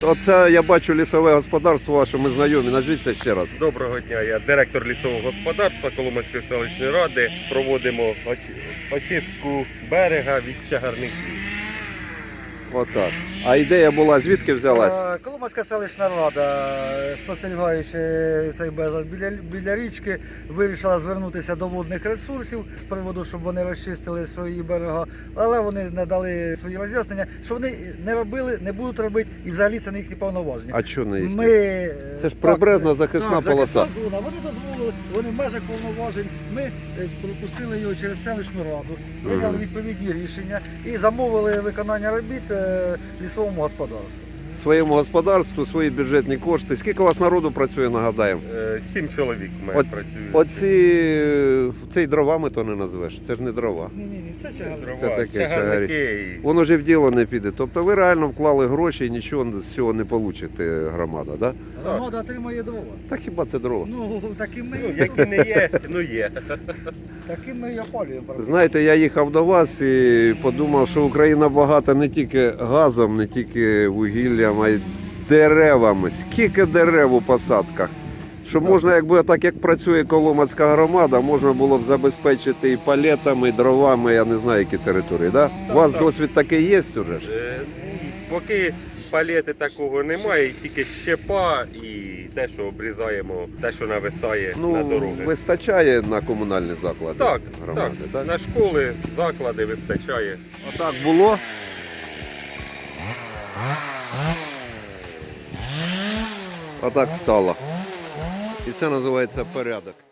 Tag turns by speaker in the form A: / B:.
A: Оце я бачу лісове господарство ваше, ми знайомі. Назвіться ще раз.
B: Доброго дня, я директор лісового господарства Коломийської селищної ради. Проводимо очистку берега від чагарників.
A: Отак. А ідея була, звідки взялась?
C: Коломийська селищна рада, спостерігаючи цей безлад біля річки, вирішила звернутися до водних ресурсів з приводу, щоб вони розчистили свої берега, але вони не дали свої роз'яснення, що вони не робили, не будуть робити, і взагалі це не їхні повноваження.
A: А що не їхні?
C: Це
A: ж прибережна захисна полоса.
C: Захисна зона. Вони дозволили, вони в межах повноважень. Ми пропустили його через селищну раду, прийняли відповідні рішення і замовили виконання робіт лісовому господарству.
A: Своєму господарству, свої бюджетні кошти. Скільки у вас народу працює, нагадаємо?
B: 7 чоловік в мене працюють.
A: Цей дровами то не назвеш, це ж не дрова.
C: Ні, це чагарник.
A: Це таке
B: чагарники.
A: Воно ж і в діло не піде. Тобто ви реально вклали гроші і нічого з цього не получите, громада, да?
C: Громада отримає дрова.
A: Та хіба це дрова?
C: Ну, таким ми,
B: Які не є, ну є.
C: таким ми і опалюємо.
A: Знаєте, я їхав до вас і подумав, що Україна багата не тільки газом, не тільки вугіллям, а й деревами. Скільки дерев у посадках. Що можна, якби так як працює Коломацька громада, можна було б забезпечити і палетами, і дровами, я не знаю, які території, да? У вас досвід такий є уже ж?
B: Поки палети такого немає, тільки щепа і те, що обрізаємо, те, що нависає на дороги.
A: Вистачає на комунальні заклади
B: Так,
A: громади,
B: так, на школи, заклади вистачає.
A: Отак було. Отак стало. І це називається порядок.